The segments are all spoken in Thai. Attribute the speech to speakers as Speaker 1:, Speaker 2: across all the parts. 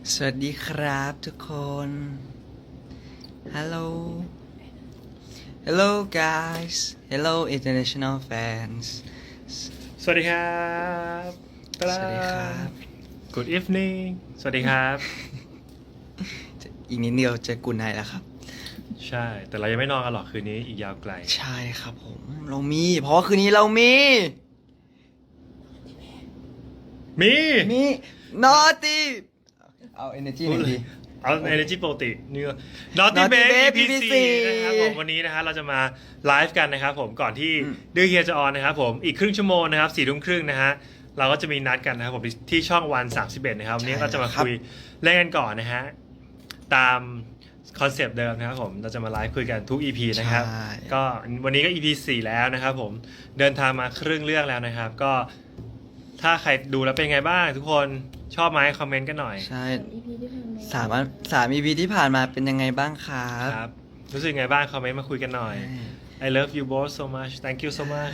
Speaker 1: สวัสดีครับทุกคน Hello Hello guys Hello international fans
Speaker 2: สวัสดีครับ
Speaker 1: สวัสดีครับ
Speaker 2: Good evening สวัสดีครับ
Speaker 1: อีกนิดเดียวจะกุนไนแล้วครับ
Speaker 2: ใช่ แต่เรายังไม่นอนกันหรอกคืนนี้อีกยาวไกล
Speaker 1: ใช่ครับผมเรามี เพราะว่าคืนนี้เรามี
Speaker 2: มี
Speaker 1: Naughty เอา energy หน่อยดี
Speaker 2: เอา energy ปกตินี่ก็ Naughty
Speaker 1: Naughty
Speaker 2: Babe
Speaker 1: Babe
Speaker 2: EP4 นะครับผมวันนี้นะฮะเราจะมาไลฟ์กันนะครับผมก่อนที่ดื้อเฮียจะออนนะครับผมอีกครึ่งชั่วโมงนะครับ4 ทุ่มครึ่งนะฮะเราก็จะมีนัดกันนะครับผมที่ช่องวัน31นะครับวันนี้ก็จะมาคุยเล่นกันก่อนนะฮะตามคอนเซปต์เดิมนะครับผมเราจะมาไลฟ์คุยกันทุก EP นะครับ
Speaker 1: ใช่
Speaker 2: ก็วันนี้ก็ EP 4 แล้วนะครับผมเดินทางมาครึ่งเรื่องแล้วนะครับก็ถ้าใครดูแล้วเป็นไงบ้างทุกคนชอบไหมคอมเมนต์กันหน่อย
Speaker 1: ใช่
Speaker 3: EP ที่ผ่านมา
Speaker 1: สาม EP ที่ผ่านมาเป็นยังไงบ้างครับ
Speaker 2: ครับรู้สึกไงบ้างคอมเมนต์มาคุยกันหน่อย I love you both so much thank you so much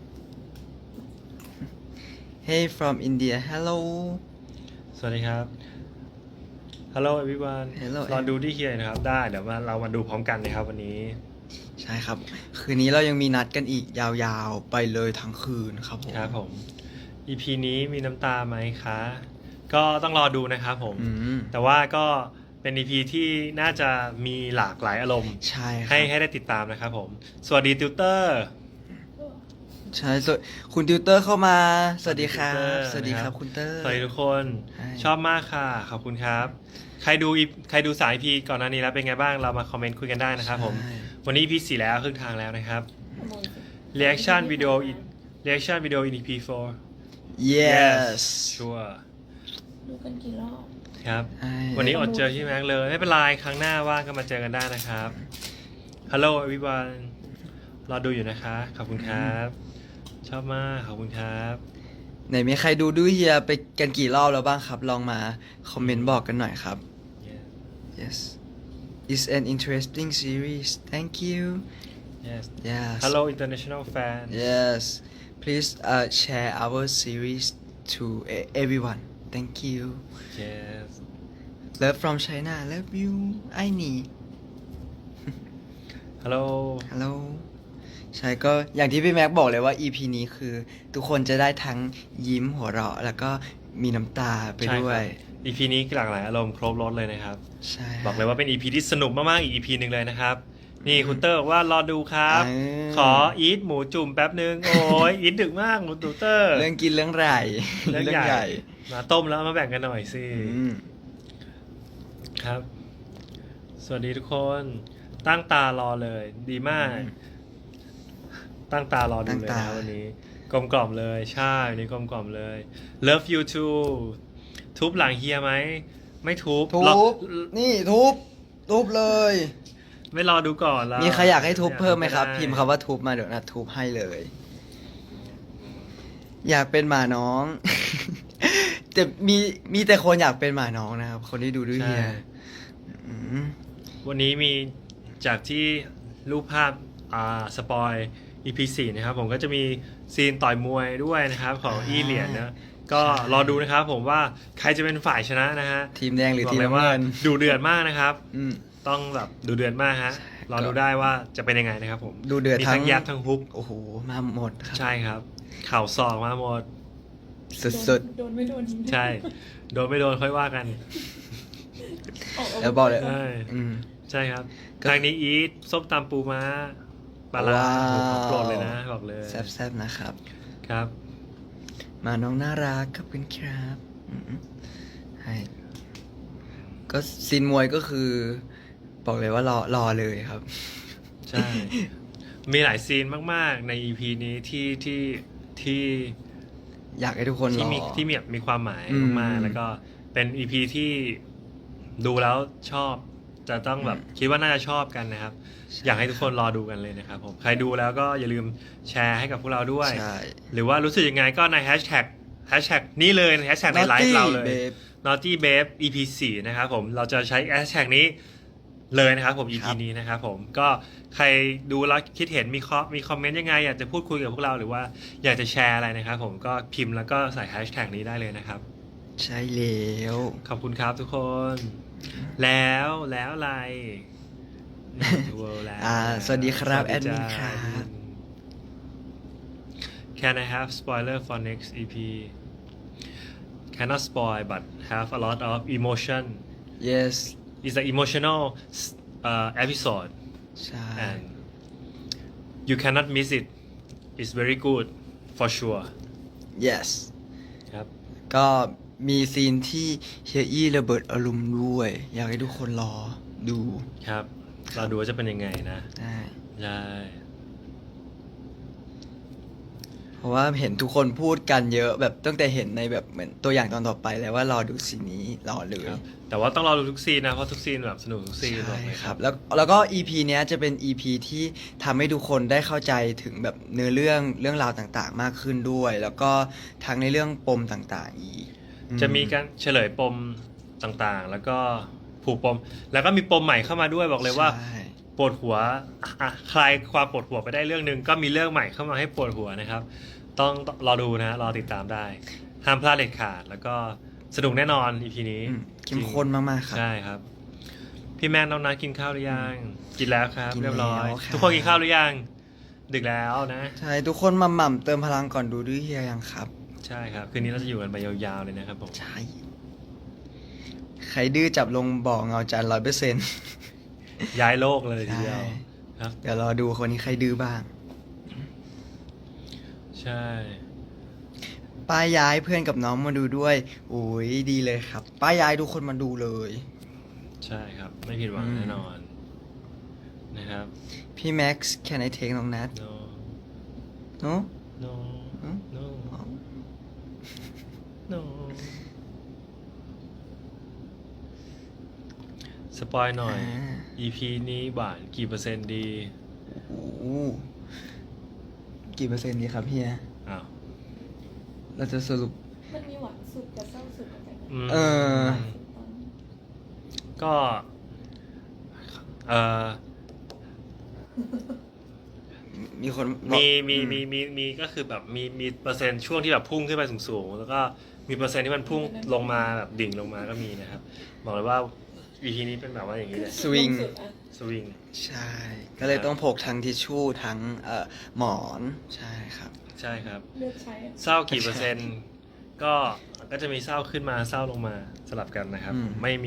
Speaker 1: Hey from India Hello
Speaker 2: สวัสดีครับ Hello everyone
Speaker 1: Hello
Speaker 2: รอดูที่เฮียนะครับได้เดี๋ยวเรามาดูพร้อมกันนะครับวันนี้
Speaker 1: ใช่ครับ คืนนี้เรายังมีนัดกันอีกยาวๆ ไปเลยทั้งคืนครับผม
Speaker 2: ครับผม EP นี้มีน้ำตาไหมคะ ก็ต้องรอดูนะครับผม
Speaker 1: อืม
Speaker 2: แต่ว่าก็เป็น EP ที่น่าจะมีหลากหลายอารมณ์
Speaker 1: ใช่ครับ
Speaker 2: ให้ได้ติดตามนะครับผม สวัสดีติวเตอร์
Speaker 1: ใช่ส่วนคุณติวเตอร์เข้ามา สวัสดีครับ
Speaker 2: ส
Speaker 1: ส
Speaker 2: วั
Speaker 1: วั
Speaker 2: ส
Speaker 1: ส
Speaker 2: ดี
Speaker 1: ดี
Speaker 2: ค
Speaker 1: ค
Speaker 2: รั
Speaker 1: รับ บคุณเตอร์
Speaker 2: สวัสดีทุกคน
Speaker 1: ใช่
Speaker 2: ชอบมากค่ะ ขอบคุณครับ ใครดูสาย EP ก่อนหน้านี้แล้วเป็นไงบ้างเรามาคอมเมนต์คุยกันได้นะครับผม
Speaker 1: ใช่
Speaker 2: วันนี้ EP 4 แล้วครึ่งทางแล้วนะครับ
Speaker 3: ขโมย
Speaker 2: reaction video in EP 4
Speaker 1: yes
Speaker 2: sure
Speaker 3: ดูกันกี่รอบ
Speaker 2: ครับ
Speaker 1: ใช่
Speaker 2: วันนี้อดเจอพี่แม็กเลย ไม่เป็นไร ครั้งหน้าว่างก็มาเจอกันได้นะครับ Hello everyone รอดูอยู่นะคะ ขอบคุณครับ ชอบมาก ขอบคุณครับ
Speaker 1: ไหนมีใครดูดูเฮียไปกันกี่รอบแล้วบ้างครับ ลองมาคอมเมนต์บอกกันหน่อยครับ yes it's an interesting series thank you
Speaker 2: yes
Speaker 1: yes
Speaker 2: Hello international fan
Speaker 1: yes please share our series to everyone thank you
Speaker 2: yes
Speaker 1: love from China love you I need
Speaker 2: Hello
Speaker 1: Hello ใช่ก็อย่างที่พี่แม็กบอกเลยว่า EP นี้คือ ทุกคนจะได้ทั้งยิ้มหัวเราะ แล้วก็มีน้ำตาไป
Speaker 2: ใช่
Speaker 1: ด้ว
Speaker 2: ครั
Speaker 1: ย
Speaker 2: บ EP นี้หลากหลายอารมณ์ครบรถเลยนะครับ
Speaker 1: ใช่
Speaker 2: บอกเลยว่าเป็น EP ที่สนุกมากๆอีก EP หนึ่งเลยนะครับ นี่คุณเตอร์บอกว่ารอดูครับ ขออีทหมูจุ่มแป๊บนึง โอ้ยอีทดึกมากหมูตูเตอร์
Speaker 1: เรื่องกินเรื่องใหญ่
Speaker 2: เรื่องใหญ่ มาต้มแล้วมาแบ่งกันหน่อยสิ
Speaker 1: อืม
Speaker 2: ครับ สวัสดีทุกคน ตั้งตารอเลย ดีมาก ตั้งตารอดูเลยนะวันนี้ กลมกล่อมเลย ใช่วันนี้กลมกล่อมเลย Love you too ทุบหลังเฮียไหม ไม่ทุบ
Speaker 1: ทุ
Speaker 2: รอ
Speaker 1: บ นี่ทุบเลย
Speaker 2: ไม่รอดูก่อนแล้ว
Speaker 1: มีใครอยากให้ทุบเพิ่มไหมครับ พิมพ์คำว่าทุบมาเดี๋ยวนัดทุบให้เลย อยากเป็นหมาน้อง แต่มีแต่คนอยากเป็นหมาน้องนะครับ คนที่ดูด้วยเฮีย
Speaker 2: ใช่
Speaker 1: อืม
Speaker 2: วันนี้มีจากที่รูปภาพสปอย EP 4นะครับผมก็จะมีซีนต่อยมวยด้วยนะครับของอีเหรียญนะก็รอดูนะครับผมว่าใครจะเป็นฝ่ายชนะนะฮะ
Speaker 1: ทีมแดงหรือ
Speaker 2: บอก
Speaker 1: ทีม
Speaker 2: เลย
Speaker 1: น้ำ
Speaker 2: ว่า
Speaker 1: เงิน
Speaker 2: ดูเดือดมากนะครับ
Speaker 1: อืม
Speaker 2: ต้องแบบดูเดือดมากฮะรอดูได้ว่าจะเป็นยังไงนะครับผม
Speaker 1: ดูเดือด
Speaker 2: มี
Speaker 1: ทั้
Speaker 2: ทั้
Speaker 1: ง
Speaker 2: งยับทั้งฮุก
Speaker 1: โอ้โห มาหมดครับ
Speaker 2: ใช่ครับ เข่าศอกมาหมด
Speaker 1: สุด
Speaker 3: โดนไม่โดน
Speaker 2: ใช่ โดนไม่โดนค่อยว่ากัน
Speaker 1: ๆแล้วบอกเลย
Speaker 2: ใช่
Speaker 1: อืม
Speaker 2: ใช่ครับ
Speaker 1: ก็
Speaker 2: ทางนี้อีทส้มตำปูม้าปลาร้า
Speaker 1: ว้าว
Speaker 2: โอ้โหของโปรดเลยนะบอกเลย
Speaker 1: แซ่บๆนะครับ
Speaker 2: ครับ
Speaker 1: มาน้องน่ารักขอบคุณครับอืมให้ก็ซีนมวยก็คือ บอกเลยว่ารอเลยครับ
Speaker 2: ใช่ มีหลายซีนมากๆใน EP นี้ที่
Speaker 1: อยากให้ทุกคนรอ
Speaker 2: มีความหมาย
Speaker 1: อืม
Speaker 2: มากๆแล้วก็เป็น EP ที่ดูแล้วชอบ จะต้องแบบคิดว่าน่าจะชอบกันนะครับ อยากให้ทุกคนรอดูกันเลยนะครับผม ใครดูแล้วก็อย่าลืมแชร์ให้กับพวกเราด้วย
Speaker 1: ใช่
Speaker 2: หรือว่ารู้สึกยังไงก็ในแฮชแท็กนี้เลยแฮชแท็กในไลฟ์เราเลย
Speaker 1: Naughty Babe
Speaker 2: Naughty Babe EP 4นะครับผมเราจะใช้แฮชแท็กนี้เลยนะครับผม EP
Speaker 1: ครับ
Speaker 2: นี้นะครับผมก็ใครดูแล้วคิดเห็นมีคอมเมนต์ยังไงอยากจะพูดคุยกับพวกเราหรือว่าอยากจะแชร์อะไรนะครับผมก็พิมพ์แล้วก็ใส่แฮชแท็กนี้ได้เลยนะครับ
Speaker 1: ใช่แล้ว
Speaker 2: ขอบคุณครับทุกคน แล้วอะไร World แล้ว
Speaker 1: สวัสดีครับ
Speaker 2: ส
Speaker 1: แอ
Speaker 2: วัส
Speaker 1: ดมิน
Speaker 2: จ้า
Speaker 1: ครับ
Speaker 2: Can I have spoiler for next EP Cannot spoil but have a lot of emotion
Speaker 1: yes
Speaker 2: It's an emotional episode
Speaker 1: ใช่
Speaker 2: and you cannot miss it It's very good for sure
Speaker 1: yes
Speaker 2: ครับ
Speaker 1: ก็มีซีนที่เฮียอี้ระเบิดอารมณ์ด้วย อยากให้ทุกคนรอดู
Speaker 2: ครับ เราดูว่าจะเป็นยังไงนะ
Speaker 1: ได้
Speaker 2: ใช่
Speaker 1: เพราะว่าเห็นทุกคนพูดกันเยอะแบบตั้งแต่เห็นในแบบเหมือนตัวอย่างตอนต่อไปแล้วว่ารอดูซีนนี้รอเลย
Speaker 2: ครับแต่ว่าต้องรอดูทุกซีนนะ เพราะทุกซีนแบบสนุกทุกซีนบอก
Speaker 1: ใช่
Speaker 2: เลย
Speaker 1: ค
Speaker 2: ค
Speaker 1: รั
Speaker 2: รั
Speaker 1: บบ แล้วก็ EP เนี้ยจะเป็น EP ที่ทำให้ทุกคนได้เข้าใจถึงแบบเนื้อเรื่องราวต่างๆ มากขึ้นด้วย แล้วก็ทั้งในเรื่องปมต่างๆอีก
Speaker 2: จะมีการเฉลยปมต่างๆ แล้วก็ผูกปม แล้วก็มีปมใหม่เข้ามาด้วยบอกเลยว่า
Speaker 1: ใช่
Speaker 2: ปวดหัวคลายความปวดหัวไปได้เรื่องหนึ่งก็มีเรื่องใหม่เข้ามาให้ปวดหัวนะครับ ต้องรอดูนะรอติดตามได้ ห้ามพลาดเด็ดขาด แล้วก็สนุกแน่นอน EP นี้
Speaker 1: เข้มข้นมากๆครับ
Speaker 2: ใช่ครับ พี่แมนน้องนัทกินข้าวหรือยัง กินแล้วครับ
Speaker 1: กิน
Speaker 2: เรียบร้อย
Speaker 1: แล้วครับ
Speaker 2: ทุกคนกินข้าวหรือยัง ดึกแล้วนะ
Speaker 1: ใช่ทุกคนมาหม่ำเติมพลังก่อนดูด้วยเฮียยังครับ
Speaker 2: ใช่ครับ คืนนี้เราจะอยู่กันไปยาวๆเลยนะครับผม
Speaker 1: ใช่ ใครดื้อจับลงบ่อเงาจัน100%
Speaker 2: ย้ายโลกเลยที
Speaker 1: ใช่
Speaker 2: เดียวครับ
Speaker 1: เดี๋ยวรอดูคนนี้ใครดื้อบ้าง
Speaker 2: ใช่
Speaker 1: ป้ายย้ายเพื่อนกับน้องมาดูด้วยโอ้ยดีเลยครับ ป้ายย้ายทุกคนมาดูเลย
Speaker 2: ใช่ครับ ไม่ผิดหวังแน่นอนนะครับ
Speaker 1: พี่แม็กซ์ can I take น้องนัท
Speaker 2: no
Speaker 1: no
Speaker 2: no
Speaker 1: อืม
Speaker 2: no no สปอยหน่อย EP นี้หวานกี่เปอร์เซ็นต์ดี
Speaker 1: โอ้โหกี่เปอร์เซ็นต์ดีครับเฮีย
Speaker 2: อ้าว
Speaker 1: เราจะสรุป
Speaker 3: มันมีหวานสุดกับเศร้าสุดอะไรกัน
Speaker 2: อืม
Speaker 1: เออ
Speaker 2: ก็เออ
Speaker 1: มีคน
Speaker 2: มีก็คือแบบมีเปอร์เซ็นต์ช่วงที่แบบพุ่งขึ้นไปสูงๆแล้วก็มีเปอร์เซ็นต์ที่มันพุ่งลงมาแบบดิ่งลงมาก็มีนะครับบอกเลยว่า EP นี้เป็นแบบว่าอย่างนี้เลย
Speaker 1: สวิง
Speaker 3: สุดอะ
Speaker 2: สวิง
Speaker 1: ใช่ ก็เลยต้องพกทั้งทิชชู่ทั้งหมอน ใช่ครับ
Speaker 2: ใช่ครับ
Speaker 3: เลือกใช้อะ
Speaker 2: เศร้ากี่เปอร์เซ็นต์ก็จะมีเศร้าขึ้นมาเศร้าลงมาสลับกันนะครับ
Speaker 1: อืม
Speaker 2: ไม่มี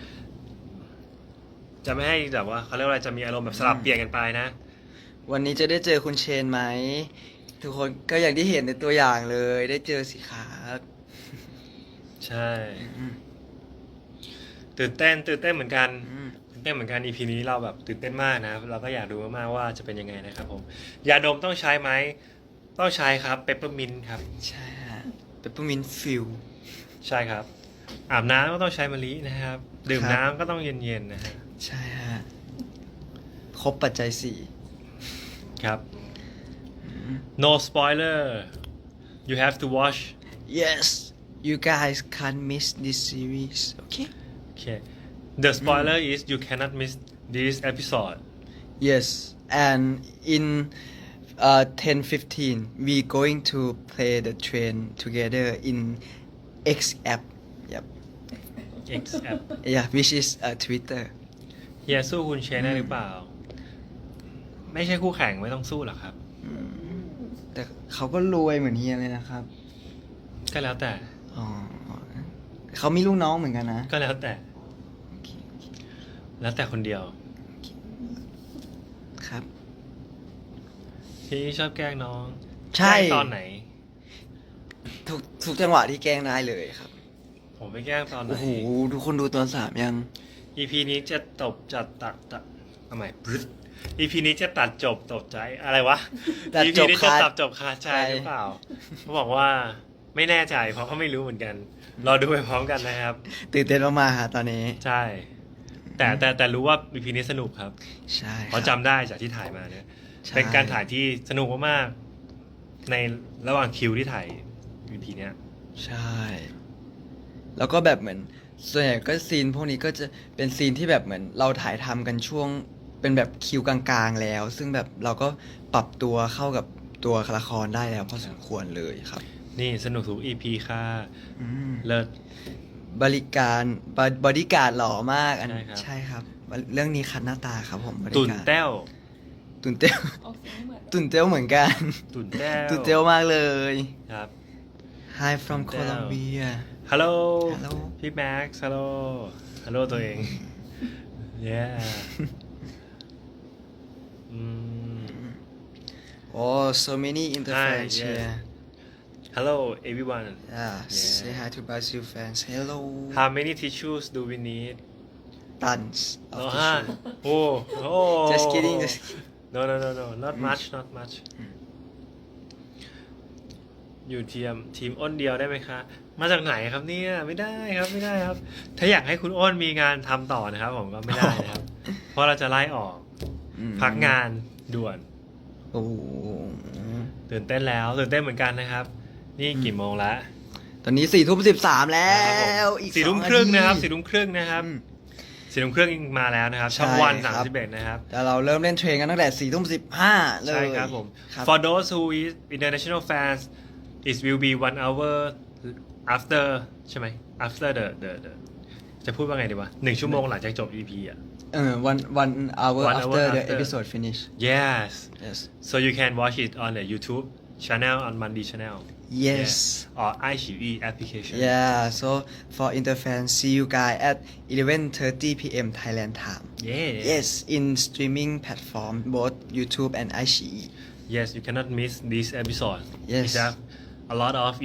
Speaker 2: จะไม่ให้แบบว่าเขาเรียกว่าอะไรจะมีอารมณ์แบบสลับเปลี่ยนกันไปนะ
Speaker 1: วันนี้จะได้เจอคุณเชนไหม ทุกคนก็อย่างที่เห็นในตัวอย่างเลย ได้เจอสิครับ
Speaker 2: ใช่
Speaker 1: อืม
Speaker 2: ตื่นเต้นเหมือนกัน
Speaker 1: อืม
Speaker 2: ตื่นเต้นเหมือนกัน EP นี้เราแบบตื่นเต้นมากนะเราก็อยากดูมากๆว่าจะเป็นยังไงนะครับผมยาดมต้องใช้ไหมต้องใช้ครับเปปเปอร์มินครับ
Speaker 1: ใช่ฮะเปปเปอร์มินฟิล
Speaker 2: ใช่ครับ อาบน้ำก็ต้องใช้มะลินะครับ ดื่ม
Speaker 1: ครับ
Speaker 2: น้ำก็ต้องเย็นๆนะฮะ
Speaker 1: ใช่ฮะ ครบปัจจัยสี่
Speaker 2: ครับ no spoiler you have to watch
Speaker 1: yes you guys can't miss this series okay
Speaker 2: okay the spoiler is you cannot miss this episode
Speaker 1: yes and in 10:15 we going to play the train together in X app yep
Speaker 2: X app
Speaker 1: yeah which is Twitter
Speaker 2: เฮียสู้คุณเชนได้หรือเปล่า ไม่ใช่คู่แข่งไม่ต้องสู้หรอกครับ
Speaker 1: แต่เขาก็รวยเหมือนเฮียเลยนะครับ
Speaker 2: ก็แล้วแต่
Speaker 1: อ๋อเขามีลูกน้องเหมือนกันนะ
Speaker 2: ก็แล้วแต่
Speaker 1: โอเคโอเค
Speaker 2: แล้วแต่คนเดียว
Speaker 1: ครับ
Speaker 2: ที่ชอบแกล้งน้อง
Speaker 1: ใช่
Speaker 2: แกล้งตอนไหน
Speaker 1: ทุกจังหวะที่แกล้งได้เลยครับ
Speaker 2: ผมไปแกล้งตอนไหน
Speaker 1: โอ้โห ทุกคนดูตอน3ยัง
Speaker 2: EP นี้จะตบจัดตัดเอาใหม่บรึด EP นี้จะตัดจบตบใจอะไรวะ
Speaker 1: ตัด
Speaker 2: EP
Speaker 1: จบ
Speaker 2: นี้จะ
Speaker 1: คา
Speaker 2: ตัดจบคาใจหรือเปล่าเขาบอกว่าไม่แน่ใจเพราะเขาไม่รู้เหมือนกันรอดูไปพร้อมกันนะครับ
Speaker 1: ตื่นเต้นมากๆฮะตอนนี้
Speaker 2: ใช่ แต่รู้ว่า EP นี้สนุกครับ
Speaker 1: ใช่
Speaker 2: เพราะจำได้จากที่ถ่ายมาเนี่ย
Speaker 1: ใช่
Speaker 2: เป็นการถ่ายที่สนุกมากๆในระหว่างคิวที่ถ่าย EP เนี้ย
Speaker 1: ใช่ แล้วก็แบบเหมือนส่วนใหญ่ก็ซีนพวกนี้ก็จะเป็นซีนที่แบบเหมือนเราถ่ายทำกันช่วงเป็นแบบคิวกลางๆแล้ว ซึ่งแบบเราก็ปรับตัวเข้ากับตัวละครได้แล้วพอสมควรเลยครับ
Speaker 2: นี่สนุกทุก EP ค่ะ
Speaker 1: อืม
Speaker 2: เลิศ
Speaker 1: บริการบอดี้การ์ดหล่อมากอัน
Speaker 2: ใช่ครับ
Speaker 1: ใช่ครับ เรื่องนี้คัดหน้าตาครับผมบริ
Speaker 2: ตุ่น
Speaker 1: การ
Speaker 2: แต้ว
Speaker 1: ตุนเต้ว
Speaker 3: ออกเสียงไม่เหมือน
Speaker 1: ตุนเต้วเหมือนกัน
Speaker 2: ตุ่นแต้ว
Speaker 1: ตุนเต้วมากเลย
Speaker 2: ครับ
Speaker 1: Hi from
Speaker 2: ตุ่นแต้ว
Speaker 1: Colombia
Speaker 2: ฮัลโหล
Speaker 1: Hello
Speaker 2: พี่แม็กซ์ฮัลโหลฮัลโหลตัวเอง yeah อืม
Speaker 1: Oh so many interfans
Speaker 2: Hi, yes.
Speaker 1: here
Speaker 2: hello everyone
Speaker 1: Yeah say hi to Brazil fans Hello
Speaker 2: how many tissues do we need
Speaker 1: tons of
Speaker 2: อ๋อ
Speaker 1: tissue
Speaker 2: โอ้โอ้
Speaker 1: Just kidding just kidding
Speaker 2: no no no no not much not much อยู่ทีมอ้นเดียวได้ไหมคะ มาจากไหนครับเนี่ยไม่ได้ครับไม่ได้ครับ ถ้าอยากให้คุณอ้นมีงานทำต่อนะครับ ผมก็ไม่ได้นะครับ เพราะเราจะไล่ออก
Speaker 1: อืม
Speaker 2: พักงานด่วน
Speaker 1: โอ้โห
Speaker 2: ตื่นเต้นแล้วตื่นเต้นเหมือนกันนะครับ นี่กี่โมงแล้ว
Speaker 1: ตอนนี้4:13แล้ว อีก
Speaker 2: สี่ทุ่ม
Speaker 1: 2
Speaker 2: ครึ่งนะครับ
Speaker 1: าที
Speaker 2: สี่ทุ่มครึ่งนะครับ
Speaker 1: อืม
Speaker 2: สี่ทุ่มครึ่งมาแล้วนะครับ ช่อง
Speaker 1: ใช่
Speaker 2: วัน
Speaker 1: ครับ
Speaker 2: 31นะครับ
Speaker 1: แต่เราเริ่มเล่นเทรนกันตั้งแต่4:15เลย
Speaker 2: ใช่ครับผม
Speaker 1: ครับ
Speaker 2: For those who is international fans it will be 1 hour after ใช่ไหม after the จะพูดว่าไงดีวะ1 ชั่วโมงหลังจากจบ EP อ่ะ
Speaker 1: one hour
Speaker 2: One hour
Speaker 1: after the
Speaker 2: after
Speaker 1: episode finish
Speaker 2: yes
Speaker 1: yes
Speaker 2: so you can watch it on the YouTube channel on Monday channel
Speaker 1: yes
Speaker 2: Yeah. or iQIYI application
Speaker 1: yeah so for interfans see you guys at 11:30 p.m. Thailand time
Speaker 2: yeah
Speaker 1: yes in streaming platform both YouTube and iQIYI
Speaker 2: yes you cannot miss this episode
Speaker 1: Yes.
Speaker 2: it have a lot of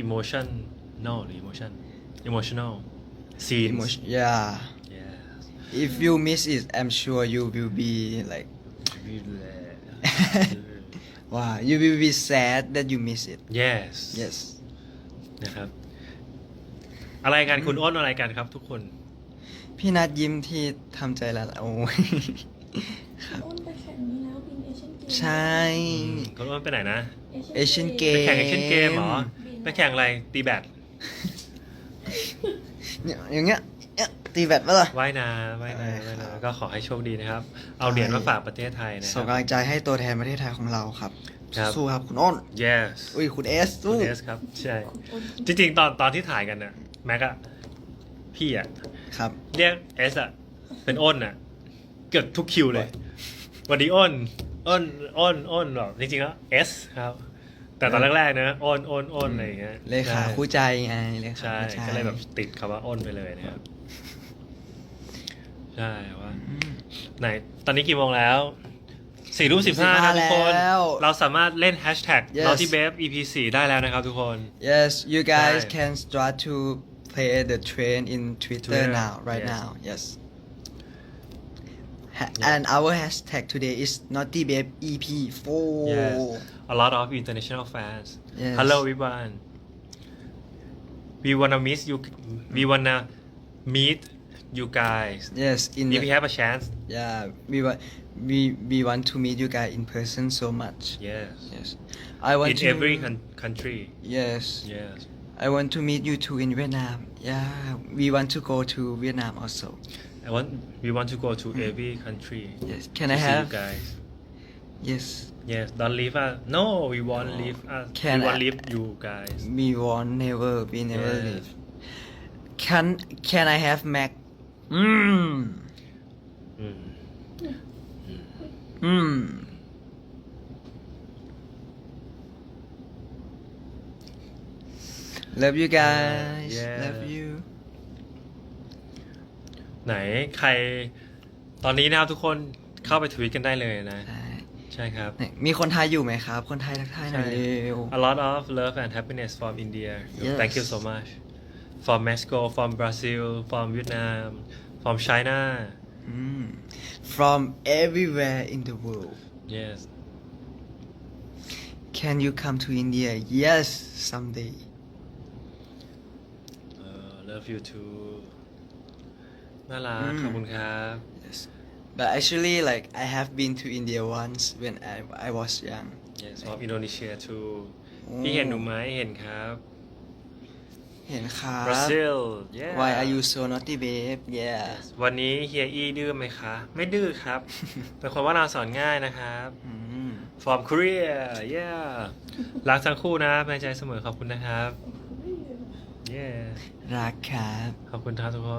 Speaker 2: emotional scenes
Speaker 1: Emotion yeah
Speaker 2: yeah
Speaker 1: if you miss it I'm sure you will be like wow you will be sad that you miss it
Speaker 2: yes
Speaker 1: yes
Speaker 2: นะครับ อะไรกันคุณอ้นอะไรกันครับทุกคน
Speaker 1: พี่นัดยิ้มที่ทำใจละโอ้ย
Speaker 3: อ้นไปแข่งนี้แล้วบินเอเชียนเกม
Speaker 1: ใช่
Speaker 2: คุณอ้นไปไหนนะ
Speaker 1: Asian
Speaker 2: ไป
Speaker 1: Game
Speaker 2: แข่งเอเชียนเกมเหรอ ไปแข่งอะไร ตีแบด
Speaker 1: เนี่ยอย่างเงี้ยเนี่ยตีแบตปะล่ะ
Speaker 2: ว่ายน้ำว่ายน้ำว่ายน้ำก็ขอให้โชคดีนะครับ เอาเหรียญมาฝากประเทศไทยนะค
Speaker 1: ส่
Speaker 2: รั
Speaker 1: ง
Speaker 2: บ
Speaker 1: กำลังใจให้ตัวแทนประเทศไทยของเราครับ
Speaker 2: ครับ
Speaker 1: สู้ครับคุณอ้น
Speaker 2: yes
Speaker 1: อุ้ยคุณเอส
Speaker 2: คุ
Speaker 1: สู้
Speaker 2: ณเอสครับ ใช่ จริงๆ ตอนที่ถ่ายกันน่ะแม็กอะพี่อะ
Speaker 1: ครับ
Speaker 2: เรียกเอสอะเป็นอ้นอะเกือบทุกคิวเลยสวัสดีอ้นหรอกจริงๆแล้วเอสครับ แต่ตอนแรกๆนะอ้นอะไรอย่างเงี้ย
Speaker 1: เลขาคู่ใจไงเลขา
Speaker 2: ใช่
Speaker 1: คู่ใจ
Speaker 2: ก็เลยแบบติดคำว่าอ้นไปเลยนะครับ ใช่ว่า ไหน ตอนนี้กี่โมงแล้ว4:15นะทุกคน
Speaker 1: แล้ว
Speaker 2: เราสามารถเล่นแฮชแท็ก
Speaker 1: Yes
Speaker 2: Naughty Babe EP 4ได้แล้วนะครับทุกคน
Speaker 1: yes you guys
Speaker 2: ใช่
Speaker 1: can start to play the train in Twitter
Speaker 2: Twitter,
Speaker 1: now right
Speaker 2: yes.
Speaker 1: now yes and our hashtag today is Naughty Babe EP4
Speaker 2: Yes a lot of international fans
Speaker 1: Yes.
Speaker 2: Hello everyone we wanna miss you we wanna meet you guys
Speaker 1: yes in
Speaker 2: if
Speaker 1: the
Speaker 2: we have a chance
Speaker 1: yeah we want to meet you guys in person so much
Speaker 2: yes
Speaker 1: yes I want
Speaker 2: in
Speaker 1: to
Speaker 2: every country
Speaker 1: yes
Speaker 2: yes
Speaker 1: I want to meet you too in Vietnam yeah we want to go to Vietnam also
Speaker 2: we want to go to every country
Speaker 1: yes can
Speaker 2: to
Speaker 1: I
Speaker 2: see
Speaker 1: have
Speaker 2: you guys
Speaker 1: yes
Speaker 2: yes don't leave us no we won't leave us
Speaker 1: Can
Speaker 2: we won't
Speaker 1: I-
Speaker 2: leave you guys
Speaker 1: we won't never we never
Speaker 2: Yes.
Speaker 1: leave can I have Mac
Speaker 2: Mm.
Speaker 1: love you guys
Speaker 2: Yeah.
Speaker 1: love you
Speaker 2: ไหนใคร ตอนนี้นะครับทุกคนเข้าไปทวีตกันได้เลยนะ
Speaker 1: ใช่
Speaker 2: ใช่ครับ
Speaker 1: ไหนมีคนไทยอยู่ไหมครับ คนไทยทักทายหน่อยเร็ว
Speaker 2: A lot of love and happiness from India
Speaker 1: Yes.
Speaker 2: Thank you so much from Mexico from Brazil from Vietnam from China
Speaker 1: from everywhere in the world
Speaker 2: yes
Speaker 1: can you come to India yes someday
Speaker 2: love you too น่ารัก
Speaker 1: Mm.
Speaker 2: ขอบคุณครับ
Speaker 1: yes but actually like I have been to India once when I was young
Speaker 2: yes from Indonesia too
Speaker 1: โอ้
Speaker 2: พี่เห็นหนูไหมเห็นครับ
Speaker 1: เห็นครับ
Speaker 2: Brazil yeah
Speaker 1: Why are you so naughty babe yeah
Speaker 2: วันนี้เฮียอี้ดื้อไหมคะ ไม่ดื้อครับ เป็นคนว่าเราสอนง่ายนะครับ
Speaker 1: อืม
Speaker 2: from Korea yeah รักทั้งคู่นะเป็นใจเสมอขอบคุณนะครับ yeah
Speaker 1: รักครับ
Speaker 2: ขอบคุณครับทุกคน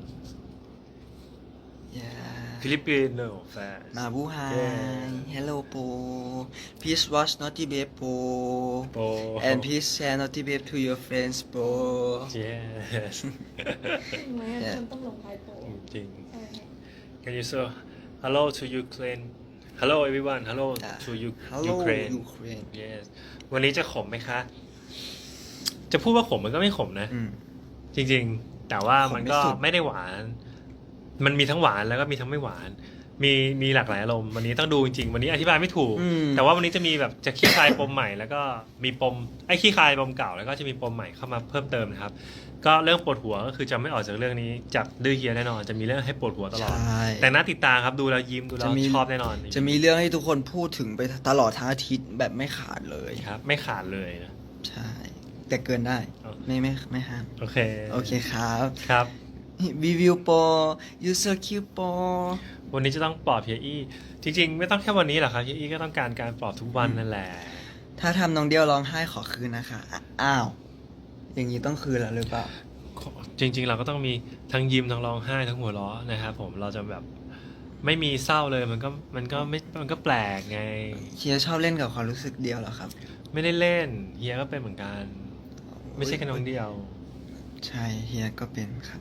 Speaker 1: yeah
Speaker 2: ฟิลิปปินส์แฟน
Speaker 1: มาบูไฮ
Speaker 2: Yeah.
Speaker 1: hello po please watch Naughty Babe po
Speaker 2: โป
Speaker 1: and please share Naughty Babe to your friends po
Speaker 2: yes
Speaker 3: จริงไหมคนต้องลงท้ายโปร
Speaker 2: จริง
Speaker 3: ใช่
Speaker 2: Can you say hello to Ukraine hello everyone hello to
Speaker 1: hello
Speaker 2: Ukraine
Speaker 1: Ukraine
Speaker 2: yes วันนี้จะขมไหมคะ จะพูดว่าขมมันก็ไม่ขมนะ
Speaker 1: อืม
Speaker 2: จริงๆ แต่ว่ามันก็
Speaker 1: ขมไม่สุด
Speaker 2: ไม่ได้หวาน มันมีทั้งหวานแล้วก็มีทั้งไม่หวาน มีหลากหลายอารมณ์วันนี้ต้องดูจริงๆ วันนี้อธิบายไม่ถูก แต่ว่าวันนี้จะมีแบบจะขี้คายปมใหม่แล้วก็มีปมขี้คายปมเก่าแล้วก็จะมีปมใหม่เข้ามาเพิ่มเติมนะครับ ก็เรื่องปวดหัวก็คือจะไม่ออกจากเรื่องนี้จากดื้อเฮียแน่นอน จะมีเรื่องให้ปวดหัวตลอด
Speaker 1: ใช่
Speaker 2: แต่น่าติดตามครับดูแล้วยิ้มดูแล้วชอบแน่นอน
Speaker 1: จะมีเรื่องให้ทุกคนพูดถึงไปตลอดทั้งอาทิตย์แบบไม่ขาดเลย
Speaker 2: ครับ ไม่ขาดเลยนะ
Speaker 1: ใช่ แต่เกินได้
Speaker 2: เอา
Speaker 1: ไม่ห้าม
Speaker 2: โอเค
Speaker 1: โอเคครับ
Speaker 2: ครับ
Speaker 1: รีวิวโปร user Q โปร
Speaker 2: วันนี้จะต้องปลอบเฮียอี้จริงๆ ไม่ต้องแค่วันนี้หรอกครับเฮียอี้ก็ต้องการการปลอบทุกวันนั่นแหละ
Speaker 1: ถ้าทำน้องเดียวร้องไห้ขอคืนนะคะอ้าว อย่างนี้ต้องคืนแล้วหรือเปล่า
Speaker 2: จริงๆ เราก็ต้องมีทั้งยิ้มทั้งร้องไห้ทั้งหัวเราะนะครับผมเราจะแบบไม่มีเศร้าเลยมันก็แปลกไง
Speaker 1: เฮียชอบเล่นกับความรู้สึกเดียวเหรอครับ
Speaker 2: ไม่ได้เล่นเฮียก็เป็นเหมือนกัน ไม่ใช่แค่น้องเดียว
Speaker 1: ใช่เฮียก็เป็นครับ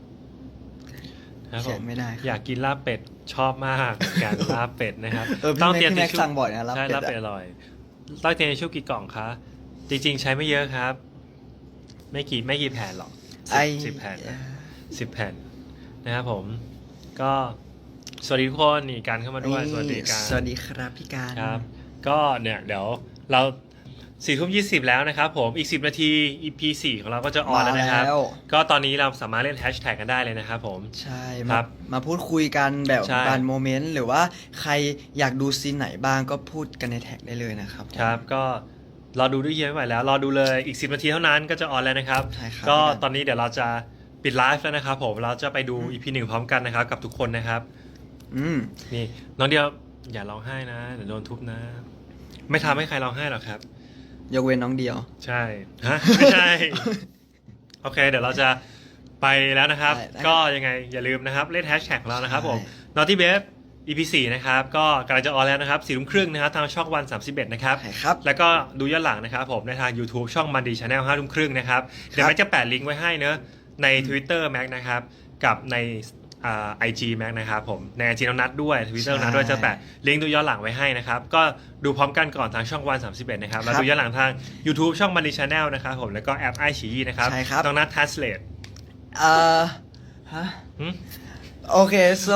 Speaker 2: นะครับผ
Speaker 1: เขีย
Speaker 2: ม
Speaker 1: นไม่ได้ครับ
Speaker 2: อยากกินลาบเป็ดชอบมากการลาบเป็ดนะครับ
Speaker 1: พี่แม็ก
Speaker 2: ทิชชู่
Speaker 1: สั่งบ่อยนะลาบ
Speaker 2: ใช่
Speaker 1: เป็ด
Speaker 2: ลาบเป็ด
Speaker 1: อะ
Speaker 2: อร่อยต้องเตรียมทิชชู่กี่กล่องคะจริง ๆ ใช้ไม่เยอะครับ ไม่กี่แผ่นหรอก
Speaker 1: ไอ
Speaker 2: 10 แผ่นนะ 10 แผ่นนะครับผมก็สวัสดีทุกคนนี่การเข้ามาด้วยสวัสดีการ
Speaker 1: สวัสดีครับพี่การ
Speaker 2: ครับก็เนี่ยเดี๋ยวเรา4:20แล้วนะครับผมอีก10 นาที EP 4ของเราก็จะออนแล้วนะครับ
Speaker 1: มาแล้ว
Speaker 2: ก็ตอนนี้เราสามารถเล่นแฮชแท็กกันได้เลยนะครับผม
Speaker 1: ใช่
Speaker 2: ครั
Speaker 1: มา
Speaker 2: บ
Speaker 1: มาพูดคุยกันแบบ
Speaker 2: ใช่
Speaker 1: บานโมเมนต์หรือว่าใครอยากดูซีนไหนบ้างก็พูดกันในแท็กได้เลยนะครับผม
Speaker 2: ครับก็รอดูด้วยเฮียไม่ไหวแล้วรอดูเลยอีก10 นาทีเท่านั้นก็จะออนแล้วนะครับ
Speaker 1: ใช่ครับ
Speaker 2: ก็
Speaker 1: พี่การ
Speaker 2: ตอนนี้เดี๋ยวเราจะปิดไลฟ์แล้วนะครับผมเราจะไปดู EP 1 พร้อมกันนะครับกับทุกคนนะครับ
Speaker 1: อืม
Speaker 2: นี่น้องเดียวอย่าร้องไห้นะเดี๋ยวโดนทุบนะ ไม่ทำให้ใครร้องไห้หรอกครับ
Speaker 1: ยกเว้นน้องเดียว
Speaker 2: ใช่ฮะไม่ใช่ โอเค เดี๋ยวเราจะไปแล้วนะครับ
Speaker 1: ได้
Speaker 2: ก็ยังไงอย่าลืมนะครับเล่นแฮชแท็กของเรานะครับผม
Speaker 1: ใช่
Speaker 2: Naughty Babe EP 4นะครับ ก็กำลังจะออนแล้วนะครับ4:30นะครับทางช่องวัน31นะครับ
Speaker 1: ใช่ครับ
Speaker 2: แล้วก็ดูย้อนหลังนะครับผมในทาง YouTube ช่องมันดีชาแนล5:30นะครับ เดี๋ยวแม็กจะแปะลิงก์ไว้ให้เนอะใน Twitter แม็กนะครับ กับในIG แม็กนะครับผมใน IG น้องนัดด้วย Twitter น้องนัดด้วยจะแปะลิงก์ดูย้อนหลังไว้ให้นะครับ ก็ดูพร้อมกันก่อนทางช่องวัน31นะครับแล้วดูย้อนหลังทาง YouTube ช่องมันดีชาแนลนะครับผมแล้วก็แอปไอชีนะครับ
Speaker 1: ใช่ครับ
Speaker 2: น้องนัด Translate
Speaker 1: ฮะ
Speaker 2: หืม
Speaker 1: Okay, so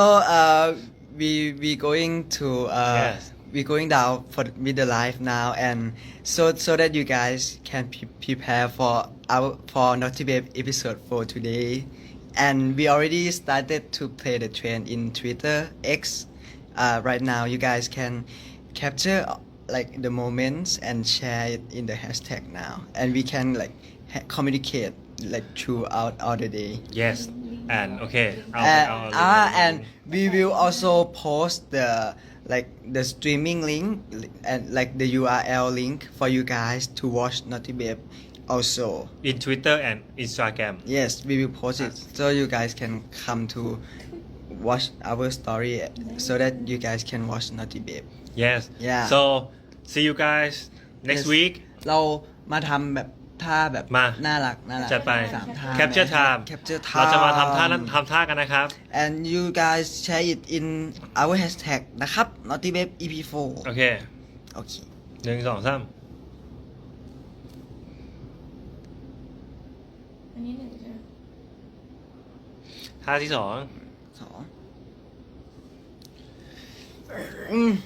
Speaker 1: we going to
Speaker 2: Yes.
Speaker 1: we going down with the live now, and so that you guys can prepare for Naughty Babe episode 4 today, and we already started to play the trend in Twitter X. Right now, you guys can capture like the moments and share it in the hashtag now, and we can like communicate like throughout all the day.
Speaker 2: Yes and okay
Speaker 1: And we will also post the streaming link and like the URL link for you guys to watch Naughty Babe also.
Speaker 2: in Twitter and Instagram
Speaker 1: Yes, we will post it so you guys can come to watch our story so that you guys can watch Naughty Babe.
Speaker 2: yes
Speaker 1: Yeah.
Speaker 2: so see you guys next
Speaker 1: Yes.
Speaker 2: week
Speaker 1: เรามาทำแบบท่าแบบ
Speaker 2: มา
Speaker 1: น่ารัก
Speaker 2: จัดไป
Speaker 1: สามท่า
Speaker 2: Capture Time
Speaker 1: Capture
Speaker 2: เรา
Speaker 1: Time
Speaker 2: จะมาทำท่ากันนะครับ
Speaker 1: and you guys share it in our hashtag นะครับ Naughty Babe EP4
Speaker 2: โอเค
Speaker 1: โอเค
Speaker 2: 1 2 3
Speaker 3: อันนี้หนึ่งใช่ไหม
Speaker 2: ท่าที่ 2
Speaker 1: สองอืม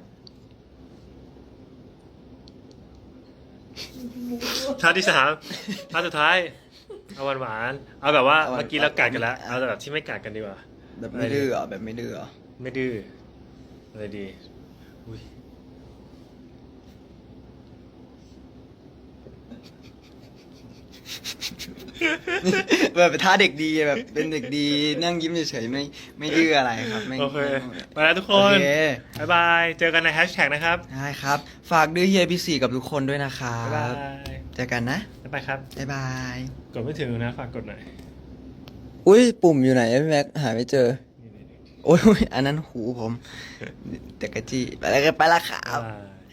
Speaker 2: ท่าที่ 3ท่าสุดท้ายเอาหวานๆเอาแบบว่าเมื่อกี้เรากัดกันแล้วเอาแบบที่ไม่กัดกันดีกว่า
Speaker 1: แบบไม่ดื้อเหรอแบบไม่ดื้อเหรอ
Speaker 2: ไม่ดื้ออะไรดีอุ้ย
Speaker 1: แบบท่าเด็กดีแบบเป็นเด็กดีนั่งยิ้มเฉยๆไม่ดื้ออะไรครับไม่
Speaker 2: โอเค
Speaker 1: ไม่
Speaker 2: ไปแล้วทุกค
Speaker 1: โอน เค
Speaker 2: บ๊ายบาย เจอกันในแฮชแท็กนะครับ
Speaker 1: ได้ครับ ฝากดื้อเฮียพี่สี่กับทุกคนด้วยนะครั
Speaker 2: บ๊ายบา
Speaker 1: บ
Speaker 2: ย
Speaker 1: เจอกันนะ
Speaker 2: บ๊ายบายครับ
Speaker 1: บ๊ายบาย
Speaker 2: กดไม่ถึงนะ ฝากกดหน่อย
Speaker 1: อุ้ยปุ่มอยู่ไหนพี่แม็กหาไม่เจอ โอ้ยอันนั้นหูผมเด็กกะจี้ไปแล้วครับ
Speaker 2: บ๊ายบาย